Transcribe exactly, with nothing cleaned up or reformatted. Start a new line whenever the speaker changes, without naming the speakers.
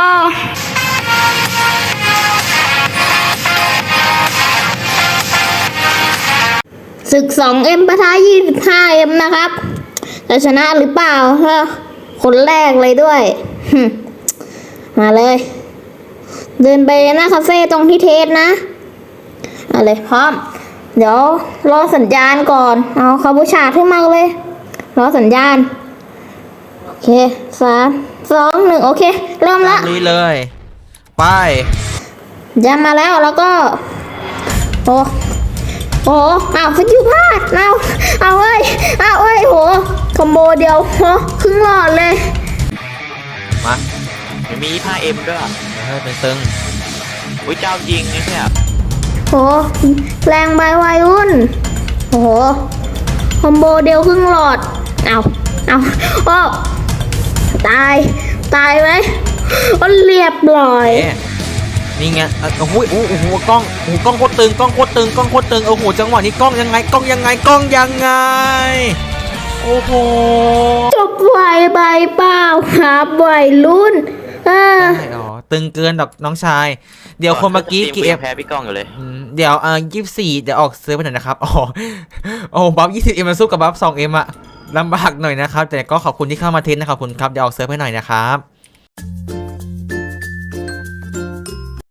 ศึก สองเอ็ม ปะทะ ยี่สิบห้าเอ็ม นะครับจะชนะหรือเปล่าคนแรกเลยด้วยมาเลย เดินไปหน้าคาเฟ่ตรงที่เทสนะเอาเลยพร้อมเดี๋ยวรอสัญญาณก่อนเอาคาบูชาขึ้นมาเลยรอสัญญาณโอเคสามสองหนึ่งโอเคเริ่มละ
นี่เลยไป
ยามาแล้วแล้วก็โอ้โอ้อ้าวฟิวพลาดเอาเอาเอ้ยเอาเอ้ยโหคอมโบเดียวโหครึ่งหลอดเลย
มา
มันมี ห้าเอ็ม ด้วย
เฮ้ยเป็นตึง
อุ้ยเจ้ายิงนี่เนี่ย
โหแรงใบวัยรุ่นโอ้โหคอมโบเดียวครึ่งหลอดเอาเอาโอ้ตายตายไหมก็เรียบร้อย
นี่ไงโอ้โหโอ้โหกล้องโอ้โหกล้องโคตรตึงกล้องโคตรตึงกล้องโคตรตึงโอ้โหจังหวะนี้กล้องยังไงกล้องยังไงกล้องยังไงโอ้โห
จบไวใบเปล่าครับวัยรุ่นเออ
อ๋อตึงเกินดอกน้องชายเดี๋ยวคนเมื่อกี้กี่เอฟ
แพ้พี่กล้องอยู่เลย
เดี๋ยวเอ่อยี่สิบสี่เดี๋ยวออกเซิร์ฟไปหน่อยนะครับอ๋อโอ้บัฟยี่สิบเอ็มมาสู้กับบัฟสองเอ็มอะลำบากหน่อยนะครับแต่ก็ขอบคุณที่เข้ามาเทสนะครับขอบคุณครับเดี๋ยวออกเซิร์ฟให้หน่อยนะครับ